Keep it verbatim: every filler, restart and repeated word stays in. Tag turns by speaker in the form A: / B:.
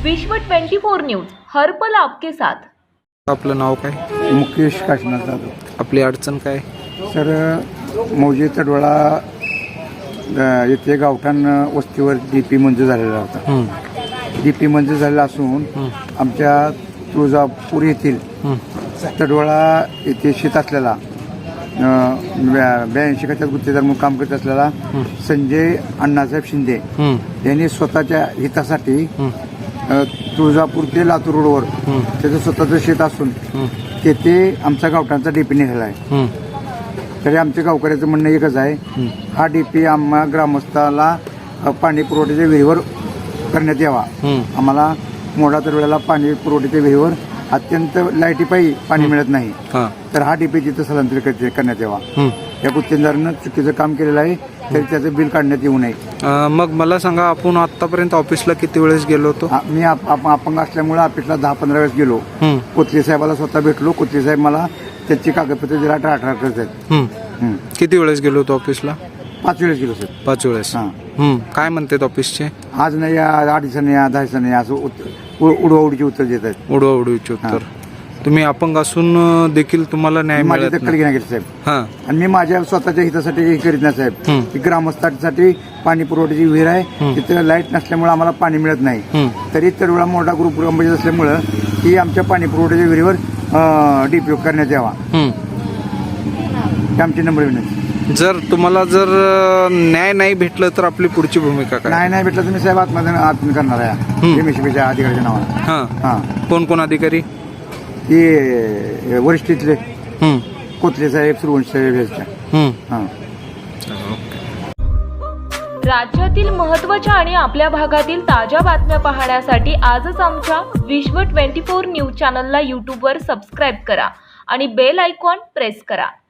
A: विश्व twenty four news हर पल आपके साथ।
B: आपलं नाव काय?
C: मुकेश काशीनाथ जाधव।
B: आपली अडचण काय?
C: सर मौजे तडवळा अ, येथे गावठाण वस्तीवर डी पी मंजूर झालेला होता। डी पी मंजूर झालेला असून आमच्या तुळजापूर येथील तडवळा येथे शेत असलेला ब्याऐंशी खात्यात गुत्तेदार म्हणून काम करत असलेला संजय अण्णासाहेब शिंदे यांनी स्वतःच्या हितासाठी तुळजापूर ते लातूर रोडवर त्याचं स्वतःचं शेत असून तेथे आमच्या गावठाणचा डीपी निघाला आहे। तरी आमच्या गावकऱ्याचं म्हणणं एकच आहे, हा डीपी आम्हा ग्रामस्थाला पाणी पुरवठ्याच्या विहिरीवर करण्यात यावा। आम्हाला मोडा तडवळ्याला पाणी पुरवठ्याच्या विहिरीवर अत्यंत लाईटीपायी पाणी मिळत नाही, तर हा डीपी तिथं स्थलांतरित करण्यात यावा। या गुत्तेदारानं चुकीचं काम केलेलं आहे, तरी त्याचं बिल काढण्यात येऊ नये।
B: मग मला सांगा, आपण आतापर्यंत ऑफिसला किती वेळेस गेलो होतो?
C: मी अपंग असल्यामुळे ऑफिसला दहा पंधरा वेळेस गेलो। कोथले साहेबाला स्वतः भेटलो। कोथले साहेब मला त्याची कागदपत्र दिला अठरा करत आहेत।
B: किती वेळेस गेलो होतो ऑफिसला?
C: पाच वेळेस गेलो सर।
B: पाच वेळेस। काय म्हणतात ऑफिसचे?
C: आज नाही या, आठ दिवसांनी या, दहा दिवसांनी असं उडवाउडीची उत्तर देत आहेत।
B: उडवाउडीचे उत्तर। तुम्ही अपंग असून देखील तुम्हाला न्याय
C: माझी
B: मिळत
C: दखल घेण्यात साहेब,
B: हा,
C: आणि मी माझ्या स्वतःच्या हितासाठी हे करीत नाही साहेब। की ग्रामस्थांसाठी पाणी पुरवठ्याची विहीर आहे, तिथे लाईट नसल्यामुळे आम्हाला पाणी मिळत नाही, तरी तडवळा मोठा ग्रुप ग्रामपंचायत असल्यामुळं ही आमच्या पाणी पुरवठ्याच्या विहिरीवर डीपी करण्यात यावा, ही आमची नम्र विनंती।
B: जर तुम्हाला जर न्याय नाही भेटलं तर आपली पुढची भूमिका काय?
C: नाही नाही भेटलं तर मी साहेब आत्महत्या आत्महत्या करणार आहे एमएससीबीच्या अधिकाऱ्याच्या नावानं।
B: हा
C: हा,
B: कोण कोण अधिकारी?
C: ते वरिष्ठ इथले कोथले साहेब, सुरवंश साहेब ह्याच्या। हा,
A: राज्यातील महत्त्वाच्या आणि आपल्या भागातील ताज्या बातम्या पाहण्यासाठी आजच आमच्या विश्व ट्वेंटी फोर न्यूज चॅनलला यूट्यूबवर सबस्क्राईब करा आणि बेल आयकॉन प्रेस करा।